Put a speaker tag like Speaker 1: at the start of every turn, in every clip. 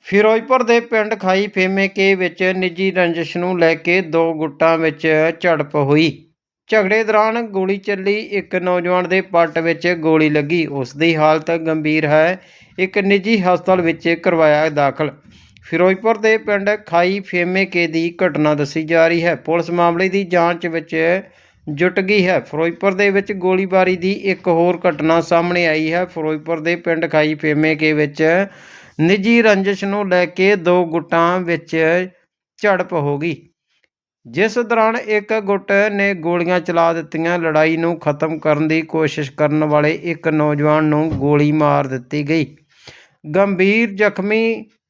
Speaker 1: ਫਿਰੋਜ਼ਪੁਰ ਦੇ ਪਿੰਡ ਖਾਈ ਫੇਮੇਕੇ ਵਿੱਚ ਨਿੱਜੀ ਰੰਜਿਸ਼ ਨੂੰ ਲੈ ਕੇ ਦੋ ਗੁੱਟਾਂ ਵਿੱਚ ਝੜਪ ਹੋਈ। ਝਗੜੇ ਦੌਰਾਨ ਗੋਲੀ ਚੱਲੀ। ਇੱਕ ਨੌਜਵਾਨ ਦੇ ਪੱਟ ਵਿੱਚ ਗੋਲੀ ਲੱਗੀ। ਉਸ ਦੀ ਹਾਲਤ ਗੰਭੀਰ ਹੈ। ਇੱਕ ਨਿੱਜੀ ਹਸਪਤਾਲ ਵਿੱਚ ਕਰਵਾਇਆ ਦਾਖਲ। ਫਿਰੋਜ਼ਪੁਰ ਦੇ ਪਿੰਡ ਖਾਈ ਫੇਮੇਕੇ ਦੀ ਘਟਨਾ ਦੱਸੀ ਜਾ ਰਹੀ ਹੈ। ਪੁਲਿਸ ਮਾਮਲੇ ਦੀ ਜਾਂਚ ਵਿੱਚ ਜੁਟ ਗਈ ਹੈ। ਫਿਰੋਜ਼ਪੁਰ ਦੇ ਵਿੱਚ ਗੋਲੀਬਾਰੀ ਦੀ ਇੱਕ ਹੋਰ ਘਟਨਾ ਸਾਹਮਣੇ ਆਈ ਹੈ। ਫਿਰੋਜ਼ਪੁਰ ਦੇ ਪਿੰਡ ਖਾਈ ਫੇਮੇਕੇ ਵਿੱਚ ਨਿੱਜੀ ਰੰਜਿਸ਼ ਨੂੰ ਲੈ ਕੇ ਦੋ ਗੁੱਟਾਂ ਵਿੱਚ ਝੜਪ ਹੋ ਗਈ, ਜਿਸ ਦੌਰਾਨ ਇੱਕ ਗੁੱਟ ਨੇ ਗੋਲੀਆਂ ਚਲਾ ਦਿੱਤੀਆਂ। ਲੜਾਈ ਨੂੰ ਖਤਮ ਕਰਨ ਦੀ ਕੋਸ਼ਿਸ਼ ਕਰਨ ਵਾਲੇ ਇੱਕ ਨੌਜਵਾਨ ਨੂੰ ਗੋਲੀ ਮਾਰ ਦਿੱਤੀ ਗਈ। ਗੰਭੀਰ ਜ਼ਖਮੀ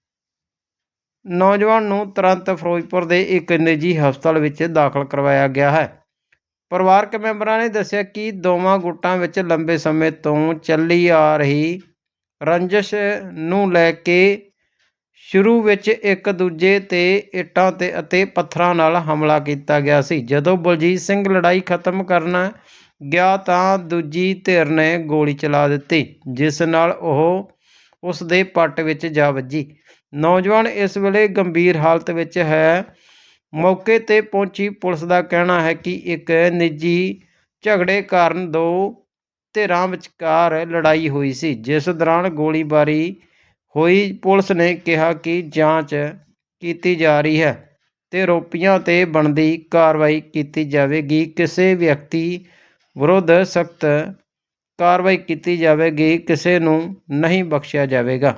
Speaker 1: ਨੌਜਵਾਨ ਨੂੰ ਤੁਰੰਤ ਫਿਰੋਜ਼ਪੁਰ ਦੇ ਇੱਕ ਨਿੱਜੀ ਹਸਪਤਾਲ ਵਿੱਚ ਦਾਖਲ ਕਰਵਾਇਆ ਗਿਆ ਹੈ। ਪਰਿਵਾਰਕ ਮੈਂਬਰਾਂ ਨੇ ਦੱਸਿਆ ਕਿ ਦੋਵਾਂ ਗੁੱਟਾਂ ਵਿੱਚ ਲੰਬੇ ਸਮੇਂ ਤੋਂ ਚੱਲੀ ਆ ਰਹੀ ਰੰਜਿਸ਼ ਨੂੰ ਲੈ ਕੇ ਸ਼ੁਰੂ ਵਿੱਚ ਇੱਕ ਦੂਜੇ 'ਤੇ ਇੱਟਾਂ ਅਤੇ ਪੱਥਰਾਂ ਨਾਲ ਹਮਲਾ ਕੀਤਾ ਗਿਆ ਸੀ। ਜਦੋਂ ਬਲਜੀਤ ਸਿੰਘ ਲੜਾਈ ਖਤਮ ਕਰਨ ਗਿਆ ਤਾਂ ਦੂਜੀ ਧਿਰ ਨੇ ਗੋਲੀ ਚਲਾ ਦਿੱਤੀ, ਜਿਸ ਨਾਲ ਉਹ ਉਸ ਦੇ ਪੱਟ ਵਿੱਚ ਜਾ ਵੱਜੀ। ਨੌਜਵਾਨ ਇਸ ਵੇਲੇ ਗੰਭੀਰ ਹਾਲਤ ਵਿੱਚ ਹੈ। ਮੌਕੇ 'ਤੇ ਪਹੁੰਚੀ ਪੁਲਿਸ ਦਾ ਕਹਿਣਾ ਹੈ ਕਿ ਇੱਕ ਨਿੱਜੀ ਝਗੜੇ ਕਾਰਨ ਦੋ ਧਿਰਾਂ ਵਿਚਕਾਰ ਲੜਾਈ ਹੋਈ ਸੀ, ਜਿਸ ਦੌਰਾਨ ਗੋਲੀਬਾਰੀ ਹੋਈ। ਪੁਲਿਸ ਨੇ ਕਿਹਾ ਕਿ ਜਾਂਚ ਕੀਤੀ ਜਾ ਰਹੀ ਹੈ ਤੇ ਆਰੋਪੀਆਂ 'ਤੇ ਬਣਦੀ ਕਾਰਵਾਈ ਕੀਤੀ ਜਾਵੇਗੀ। ਕਿਸੇ ਵਿਅਕਤੀ ਵਿਰੁੱਧ ਸਖਤ ਕਾਰਵਾਈ ਕੀਤੀ ਜਾਵੇਗੀ, ਕਿਸੇ ਨੂੰ ਨਹੀਂ ਬਖਸ਼ਿਆ ਜਾਵੇਗਾ।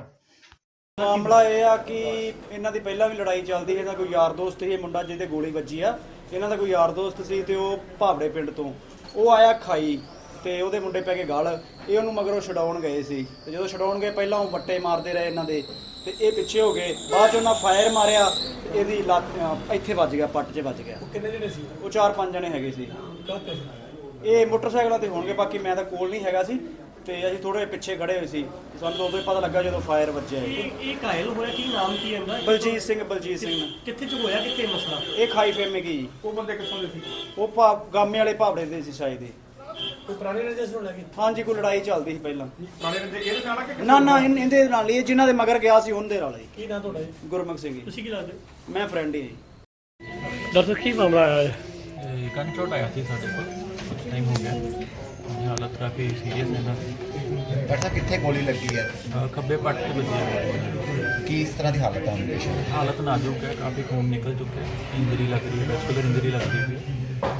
Speaker 2: ਮਾਮਲਾ ਇਹ ਆ ਕਿ ਇਹਨਾਂ ਦੀ ਪਹਿਲਾਂ ਵੀ ਲੜਾਈ ਚੱਲਦੀ ਹੈ। ਇਹਨਾਂ ਕੋਈ ਯਾਰ ਦੋਸਤ ਸੀ, ਇਹ ਮੁੰਡਾ ਜਿਹਦੇ ਗੋਲੀ ਵੱਜੀ ਆ, ਇਹਨਾਂ ਦਾ ਕੋਈ ਯਾਰ ਦੋਸਤ ਸੀ ਤੇ ਉਹ ਭਾਵੜੇ ਪਿੰਡ ਤੋਂ ਉਹ ਆਇਆ ਖਾਈ ਤੇ ਉਹਦੇ ਮੁੰਡੇ ਪੈ ਕੇ ਗਲ। ਇਹ ਉਹਨੂੰ ਮਗਰੋਂ ਛਡਾਉਣ ਗਏ ਸੀ ਤੇ ਜਦੋਂ ਛਡਾਉਣ ਗਏ ਪਹਿਲਾਂ ਉਹ ਵੱਟੇ ਮਾਰਦੇ ਰਹੇ ਇਹਨਾਂ ਦੇ ਤੇ ਇਹ ਪਿੱਛੇ ਹੋ ਗਏ। ਬਾਅਦ 'ਚ ਉਹਨਾਂ ਫਾਇਰ ਮਾਰਿਆ ਤੇ ਇਹਦੀ ਲੱਤ ਇੱਥੇ ਵੱਜ ਗਿਆ, ਪੱਟ 'ਚ ਵੱਜ ਗਿਆ।
Speaker 3: ਕਿੰਨੇ ਜਣੇ ਸੀ?
Speaker 2: ਉਹ 4-5 ਜਣੇ ਹੈਗੇ ਸੀ।
Speaker 3: ਕਾਹਤੇ?
Speaker 2: ਇਹ ਮੋਟਰਸਾਈਕਲਾਂ ਤੇ ਹੋਣਗੇ, ਬਾਕੀ ਮੈਂ ਤਾਂ ਕੋਲ ਨਹੀਂ ਹੈਗਾ ਸੀ ਤੇ ਅਸੀਂ ਥੋੜੇ ਪਿੱਛੇ ਖੜੇ ਹੋਏ ਸੀ। ਸਾਨੂੰ ਉਦੋਂ ਹੀ ਪਤਾ ਲੱਗਾ ਜਦੋਂ ਫਾਇਰ ਵੱਜਿਆ।
Speaker 3: ਇਹ ਘਾਇਲ ਹੋਇਆ, ਕੀ ਨਾਮ ਕੀ ਇਹਦਾ?
Speaker 2: ਬਲਜੀਤ ਸਿੰਘ।
Speaker 3: ਕਿੱਥੇ ਚ ਹੋਇਆ, ਕਿੱਥੇ ਮਸਲਾ?
Speaker 2: ਇਹ ਖਾਈ ਫੇਮੇਗੀ ਜੀ।
Speaker 3: ਉਹ ਬੰਦੇ ਕਿੱਥੋਂ ਦੇ ਸੀ?
Speaker 2: ਉਹ ਗਾਮੇ ਵਾਲੇ ਭਾਵੜੇ ਦੇ ਸੀ ਸ਼ਾਇਦ।
Speaker 3: ਕੋਈ ਪੁਰਾਣੀ ਰੰਜਿਸ਼ ਨੂੰ ਲੈ ਕੇ?
Speaker 2: ਹਾਂਜੀ, ਕੋਈ ਲੜਾਈ ਚੱਲਦੀ ਸੀ ਪਹਿਲਾਂ।
Speaker 3: ਪੁਰਾਣੇ ਰੰਜੇ ਇਹਦੇ ਨਾਲ ਕਿ
Speaker 2: ਨਾ ਇਹਦੇ ਨਾਲ ਹੀ, ਜਿਨ੍ਹਾਂ ਦੇ ਮਗਰ ਗਿਆ ਸੀ ਉਹਦੇ ਨਾਲ ਹੀ।
Speaker 3: ਕੀ ਨਾਮ ਤੁਹਾਡਾ ਜੀ?
Speaker 2: ਗੁਰਮੁਖ ਸਿੰਘ ਜੀ।
Speaker 3: ਤੁਸੀਂ ਕੀ ਲੱਗਦੇ?
Speaker 2: ਮੈਂ ਫਰੈਂਡ ਹੀ ਹਾਂ।
Speaker 3: ਡਾਕਟਰ ਕੀ ਮਾਮਲਾ ਆਇਆ ਹੈ?
Speaker 4: ਗਨ ਸ਼ਾਟ ਆਇਆ ਸੀ ਸਾਡੇ ਕੋਲ, ਟਾਈਮ ਹੋ ਗਿਆ। ਉਹਦੀ ਹਾਲਤ ਕਾਫੀ ਸੀਰੀਅਸ ਹੈ ਇਹਨਾਂ ਦੀ।
Speaker 5: ਡਾਕਟਰ ਸਾਹਿਬ ਕਿੱਥੇ ਗੋਲੀ ਲੱਗੀ ਹੈ?
Speaker 4: ਖੱਬੇ ਪੱਟ ਤੇ ਵੱਜੀ ਹੈ।
Speaker 5: ਕੀ ਇਸ ਤਰ੍ਹਾਂ ਦੀ ਹਾਲਤ ਹੈ ਪੇਸ਼ੈਂਟ?
Speaker 4: ਹਾਲਤ ਨਾਜ਼ੁਕ ਹੈ, ਕਾਫੀ ਖੂਨ ਨਿਕਲ ਚੁੱਕਿਆ ਹੈ, ਇੰਜਰੀ ਲੱਗ ਰਹੀ ਹੈ, ਵੈਸਕੂਲਰ ਇੰਜਰੀ ਲੱਗਦੀ ਹੋਈ ਹੈ।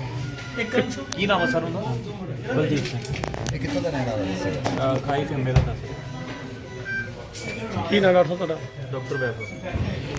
Speaker 3: ਕੀ ਨਾਮ ਹੈ ਸਰ ਉਹਦਾ?
Speaker 4: ਬਲਜੀਤ ਸਿੰਘ।
Speaker 5: ਇਹ ਕਿੱਥੋਂ ਦਾ ਰਹਿਣ ਵਾਲਾ ਦੱਸਿਆ?
Speaker 4: ਖਾਈ ਫੇਮੇ ਦਾ ਦੱਸ।
Speaker 3: ਕੀ ਨਾਮ ਡਾਕਟਰ ਤੁਹਾਡਾ?
Speaker 4: ਡਾਕਟਰ ਵੈਭਵ।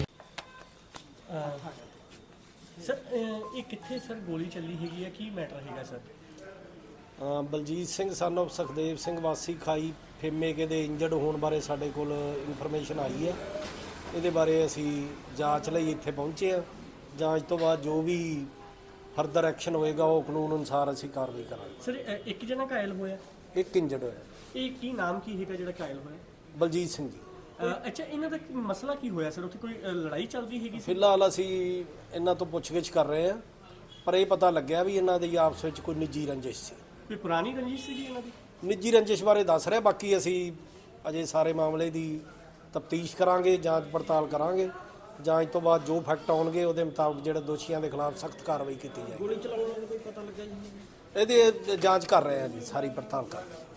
Speaker 3: ਸਰ ਇਹ ਕਿੱਥੇ ਸਰ ਗੋਲੀ ਚੱਲੀ ਹੈਗੀ ਹੈ, ਕੀ ਮੈਟਰ ਹੈਗਾ sir?
Speaker 6: Baljit Singh son of Sukhdev Singh ਵਾਸੀ ਖਾਈ ਫੇਮੇਕੇ ਦੇ ਇੰਜਰਡ ਹੋਣ ਬਾਰੇ ਸਾਡੇ ਕੋਲ ਇਨਫੋਰਮੇਸ਼ਨ ਆਈ ਹੈ। ਇਹਦੇ ਬਾਰੇ ਅਸੀਂ ਜਾਂਚ ਲਈ ਇੱਥੇ ਪਹੁੰਚੇ ਹਾਂ। ਜਾਂਚ ਤੋਂ ਬਾਅਦ ਜੋ ਵੀ ਫਰਦਰ ਐਕਸ਼ਨ ਹੋਏਗਾ ਉਹ ਕਾਨੂੰਨ ਅਨੁਸਾਰ ਅਸੀਂ ਕਾਰਵਾਈ ਕਰਾਂਗੇ।
Speaker 3: ਸਰ ਇੱਕ ਜਣਾ ਘਾਇਲ ਹੋਇਆ,
Speaker 6: ਇੱਕ ਇੰਜਰਡ ਹੋਇਆ,
Speaker 3: ਇਹ ਕੀ ਨਾਮ ਕੀ ਹੈਗਾ ਜਿਹੜਾ ਘਾਇਲ ਹੋਇਆ?
Speaker 6: ਬਲਜੀਤ ਸਿੰਘ ਜੀ।
Speaker 3: ਅੱਛਾ, ਇਹਨਾਂ ਦਾ ਮਸਲਾ ਕੀ ਹੋਇਆ ਸਰ? ਉੱਥੇ ਕੋਈ ਲੜਾਈ ਚੱਲਦੀ ਹੈਗੀ ਸੀ?
Speaker 6: ਫਿਲਹਾਲ ਅਸੀਂ ਇਹਨਾਂ ਤੋਂ ਪੁੱਛਗਿੱਛ ਕਰ ਰਹੇ ਹਾਂ, ਪਰ ਇਹ ਪਤਾ ਲੱਗਿਆ ਵੀ ਇਹਨਾਂ ਦੀ ਆਪਸ ਵਿੱਚ ਕੋਈ ਨਿੱਜੀ ਰੰਜਿਸ਼ ਸੀ।
Speaker 3: ਕੋਈ ਪੁਰਾਣੀ ਰੰਜਿਸ਼ ਸੀਗੀ ਇਹਨਾਂ ਦੀ?
Speaker 6: ਨਿੱਜੀ ਰੰਜਿਸ਼ ਬਾਰੇ ਦੱਸ ਰਿਹਾ, ਬਾਕੀ ਅਸੀਂ ਅਜੇ ਸਾਰੇ ਮਾਮਲੇ ਦੀ ਤਫਤੀਸ਼ ਕਰਾਂਗੇ, ਜਾਂਚ ਪੜਤਾਲ ਕਰਾਂਗੇ। ਜਾਂਚ ਤੋਂ ਬਾਅਦ ਜੋ ਫੈਕਟ ਆਉਣਗੇ ਉਹਦੇ ਮੁਤਾਬਕ ਜਿਹੜੇ ਦੋਸ਼ੀਆਂ ਦੇ ਖਿਲਾਫ ਸਖਤ ਕਾਰਵਾਈ ਕੀਤੀ ਜਾਏਗੀ।
Speaker 3: ਗੋਲੀ ਚਲਾਉਣ ਦਾ ਕੋਈ ਪਤਾ ਲੱਗਾ ਜੀ?
Speaker 6: ਇਹਦੀ ਜਾਂਚ ਕਰ ਰਹੇ ਹਾਂ ਜੀ, ਸਾਰੀ ਪੜਤਾਲ ਕਰ ਰਹੇ ਹਾਂ।